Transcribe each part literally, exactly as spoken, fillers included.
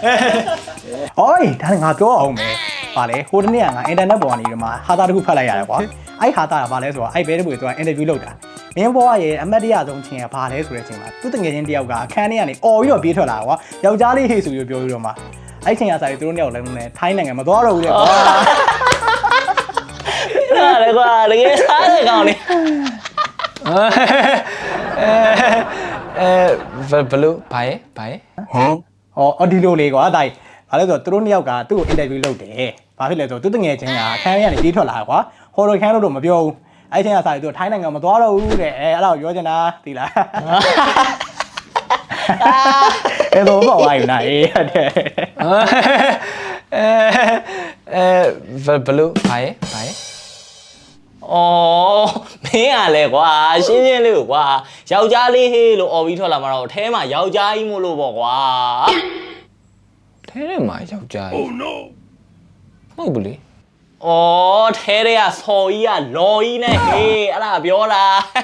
ဟောဒါငါပြောအောင်မယ်ဗာလေဟိုတနေ့ကငါအင်တာနက်ပေါ်ကနေဒီမှာဟာတာတစ်ခုဖတ်လိုက်ရတယ်ကွာအဲ့ဟာတာကဗာလဲဆိုတော့အဲ့ဘဲတပွေသူကအင်တာဗျူးလုပ်တာမင်းဘွားရဲ့အမတ်တရဆုံးချင်းကဗာလဲဆိုတဲ့အချိန်မှာသူ့တငယ်ချင်းတယောက်ကအခန်းထဲကနေអော်ပြီးတော့ပြေးထွက်လာကွာယောက်ျားလေးဟေ့ဆိုပြီးပြောပြီးတော့မှအဲ့ချိန်ကစားပြီးသူတို့နှစ်ယောက်လည်းနဲ့ထိုင်းနိုင်ငံမသွားတော့ဘူးလေကွာဟာလေကွာတကယ်စားတဲ့ကောင်လေးအဲဘလို့ဘာရဲ့ဘာရဲ့ဟမ်ဟောအော်ဒီလိုလေးကွာဒါဘာလဲဆိုတော့သူတို့နှစ်ယောက်ကသူ့ကိုအင်တာဗျူးလုပ်တယ်ဘာဖြစ်လဲဆိုတော့သူ့တငယ်ချင်းကအခန်းထဲကနေပြေးထွက်လာကွာဟော်ရိုခန်းလို့တော့မပြောဘူးအဲ့ချိန်ကစားပြီးသူထိုင်းနိုင်ငံမသွားတော့ဘူးတဲ့အဲအဲ့ဒါကိုပြောချင်တာသိလားအဲ့တော့ဘာဝိုင်းနေအေးတဲ့အဲအဲဘလို့ဘာရဲ့ဘာရဲ့အော်မင်းကလည်းကွာရှင်းရှင်းလေးကွာယောက်ျားလေးဟေးလို့អော်ပြီးထွက်လာမှာတော့အထဲမှာယောက်ျားကြီးမို့လို့ပေါ့ကွာထဲထဲမှာယောက်ျားကြီး Oh no ဟုတ်ဘူးလေအော်ထဲထဲကဆော်ကြီးကလော်ကြီးနဲ့ဟေးအဲ့ဒါပြောတာ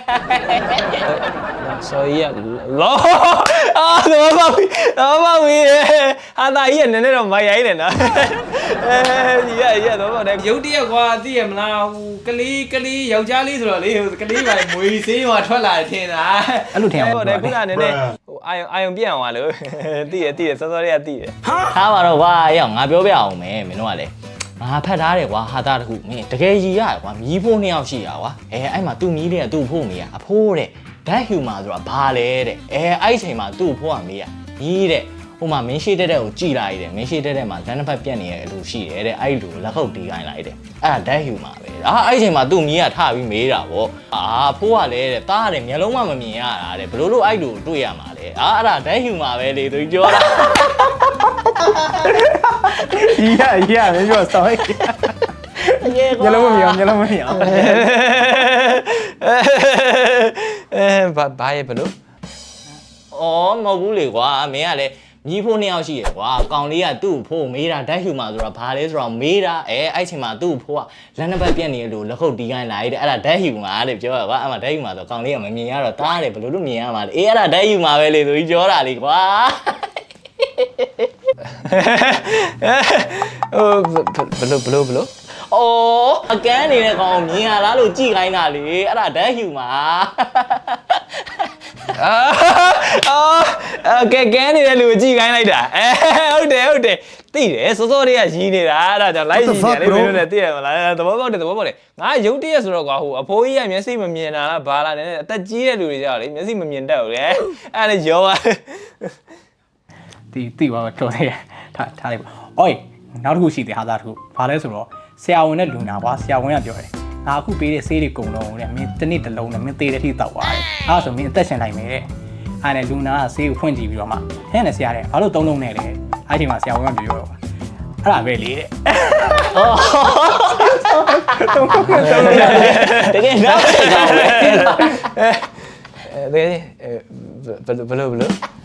ဆော်ကြီးကလော်အာတော့ပါပြီတော့ပါပြီဟာတာကြီးကနည်းနည်းတော့မရိုင်းနေနော်အဲဒီရရတော့ပါတယ်ရုပ်တရက်ကွာသိရမလားဟိုကလေးကလေးယောက်ျားလေးဆိုတော့လေဟိုကလေးပါမွေဆေးဟိုထွက်လာတယ်ထင်တာအဲ့လိုထင်အောင်ဟုတ်တယ်ခုနကနည်းနည်းဟိုအာယုံအာယုံပြန့်အောင်လို့သိရသိရစောစောလေးကသိရထားပါတော့ကွာအေးငါပြောပြအောင်မယ်မင်းတို့ကလည်းငါဖတ်ထားတယ်ကွာဟာတာတခုမင်းတကယ်ကြီးရတယ်ကွာမြီးဖိုးနှစ်ယောက်ရှိတာကွာအဲအဲ့မှာသူ့မြီးလေးကသူ့ဖိုးမေးရအဖိုးတဲ့ဓာတ်ဟျူမာဆိုတာဘာလဲတဲ့အဲအဲ့ချိန်မှာသူ့ဖိုးကမေးရမြီးတဲ့ဟိုမှာမင်းရှိတဲ့တဲ့ကိုကြည်လိုက်တယ်မင်းရှိတဲ့တဲ့မှာလမ်းတစ်ဖက်ပြက်နေရလို့ရှိတယ်တဲ့အဲ့လိုလက်ခုပ်တီးခိုင်းလိုက်တယ်အဲ့ဒါဓာတ်ဟျူမာပဲအာအဲ့ချိန်မှာသူ့မြီးကထပြီးမေးတာဗောအာဖိုးကလည်းတဲ့တားတယ်မျက်လုံးမှမမြင်ရတာတဲ့ဘလို့လို့အဲ့လိုတွေ့ရမှာလဲအာအဲ့ဒါဓာတ်ဟျူမာပဲလေသူပြောတာ依呀依呀，没说少一点。ညလုံးမမြင်ညလုံးမမြင်အဲဘာဘာရဲ့ဘလို့အော်မဟုတ်ဘူးလေကွာမင်းကလည်းမြီးဖိုးနှစ်ယောက်ရှိရယ်ကွာကောင်လေးကသူ့ဖိုးမေးတာဓာတ်ဟျူမာဆိုတာဘာလဲဆိုတော့မေးတာအဲအဲ့ချိန်မှာသူ့ဖိုးကလက်နှစ်ပတ်ပြက်နေလို့လက်ခုပ်တီးခိုင်းလိုက်တဲ့အဲ့ဒါဓာတ်ဟျူမာတဲ့ပြောရကွာအဲ့မှာဓာတ်ဟျူမာဆိုကောင်လေးကမမြင်ရတော့တားတယ်ဘလို့လို့မြင်ရမှာလေအေးအဲ့ဒါဓာတ်ဟျူမာပဲလေသူကြီးပြောတာလေကွာဟိုဘလို့ဘလို့ဘလို့အော်အကန်းနေတဲ့ကောင်မြင်ရလားလို့ကြည်ခိုင်းတာလေအဲ့ဒါဓာတ်ဟျူမာအာကဲကဲနေတဲ့လူကိုကြည်ခိုင်းလိုက်တာအဲဟုတ်တယ်ဟုတ်တယ်သိတယ်စောစောလေးကရီးနေတာအဲ့ဒါကြောင့်လိုက်ရီးနေတယ်မင်းတို့လည်းသိရမလားသဘောပေါက်တယ်သဘောပေါက်တယ်ငါရုပ်တရက်ဆိုတော့ကွာဟိုအဖိုးကြီးကမျက်စိမမြင်တာလားဘာလားနည်းနည်းအသက်ကြီးတဲ့လူတွေကြောက်လေမျက်စိမမြင်တတ်ဘူးလေအဲ့ဒါရောပါတီတီပါတော့တယ်ထားထားလိုက်ပါအော်နောက်တစ်ခုရှိတယ်ဟာသားတစ်ခုဘာလဲဆိုတော့ဆရာဝန်နဲ့လူနာကွာဆရာဝန်ကပြောတယ်ငါအခုပေးတဲ့ဆေးတွေကုန်တော့တဲ့မင်းတစ်နေ့တစ်လုံးနဲ့မင်းသေးတဲ့ထိတောက်သွားတယ်အဲ့ဒါဆိုမင်းအသက်ရှင်နိုင်မယ်တဲ့အဲ့နဲ့လူနာကဆေးကိုဖွင့်ကြည့်ပြီးတော့မှဟဲ့နဲ့ဆရာတဲ့ဘာလို့သုံးလုံးနဲ့လဲအဲ့ချိန်မှာဆရာဝန်ကပြောပြောအဲ့ဒါပဲလေတဲ့တကယ်နောက်ဖြစ်တာပဲအဲဘယ်လိုဘယ်လို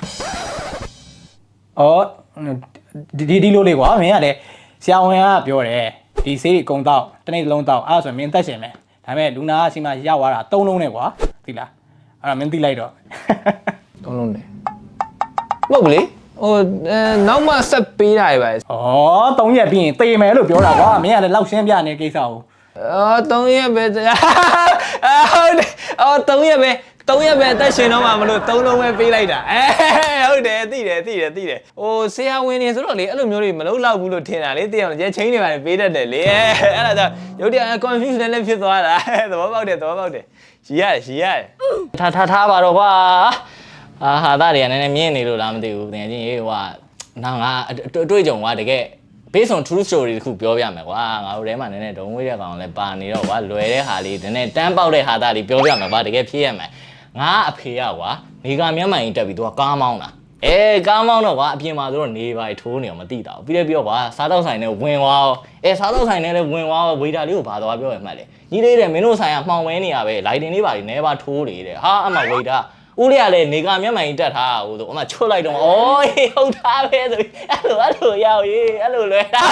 အော်ဒီဒီလိုလေးကွာမင်းကလည်းဆရာဝန်ကပြောတယ်ဒီဆေးတွေအကုန်တော့တစ်နေ့တစ်လုံးတော့အဲ့ဒါဆိုမင်းသက်ရှင်မယ်ဒါပေမဲ့လူနာကစီမရောက်သွားတာသုံးလုံးနဲ့ကွာသိလားအဲ့ဒါမင်းသိလိုက်တော့သုံးလုံးနဲ့မဟုတ်ဘူးလေဟိုနောက်မှဆက်ပေးတာပဲဩသုံးရက်ပြီးရင်သေမယ်လို့ပြောတာကွာမင်းကလည်းလောက်ရှင်းပြနေကိစ္စကိုအော်သုံးရက်ပဲဟုတ်တယ်အော်သုံးရက်ပဲသုံးရက်ပဲအသက်ရှင်တော့မှမလို့သုံးလုံးပဲပေးလိုက်တာအဲဟုတ်တယ်သိတယ်သိတယ်သိတယ်ဟိုဆရာဝန်နေဆိုတော့လေအဲ့လိုမျိုးတွေမလုပ်တော့ဘူးလို့ထင်တာလေသိအောင်ရဲချင်းတွေပါပေးတတ်တယ်လေအဲ့ဒါကြောင့်ရုပ်တရက် confuse နဲ့လည်းဖြစ်သွားတာသဘောပေါက်တယ်သဘောပေါက်တယ်ရီရတယ်ရီရတယ်ထားထားထားပါတော့ကွာအာဟာသားတွေကနည်းနည်းမြင်နေလို့လားမသိဘူးတကယ်ချင်းဟိုကနောက်ငါအတွေ့အကြုံကတကယ် based on true story တခုပြောပြမယ်ကွာငါတို့ထဲမှာနည်းနည်းဒုံဝေးတဲ့ကောင်လည်းပါနေတော့ကွာလွယ်တဲ့ဟာလေးနည်းနည်းတန်းပေါက်တဲ့ဟာသားလေးပြောပြမယ်ကွာတကယ်ဖြစ်ရမယ်ငါအဖေကကွာနေကမျက်မှန်ကြီးတက်ပြီးသူကကားမောင်းတာအဲကားမောင်းတော့ကွာအပြင်မှာဆိုတော့နေပါထိုးနေအောင်မသိတာဘူးပြီးတယ်ပြောကွာစားတော့ဆိုင်နဲ့ဝင်သွားရောအဲစားတော့ဆိုင်နဲ့လည်းဝင်သွားရောဝေတာလေးကိုဘာသွားပြောရမှတ်လေကြီးလေးတဲ့မင်းတို့ဆိုင်ကမှောင်ဝဲနေရပဲလိုက်တင်လေးပါနေပါထိုးနေတယ်ဟာအမှဝေတာဦးလေးကလည်းနေကမျက်မှန်ကြီးတက်ထားဟိုဆိုအမှချွတ်လိုက်တော့အော်ဟုတ်သားပဲဆိုပြီးအဲ့လိုအဲ့လိုရောက်ရေးအဲ့လိုလွယ်တာ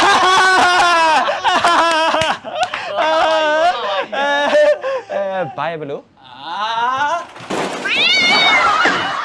အဲဘာဘလို့အာ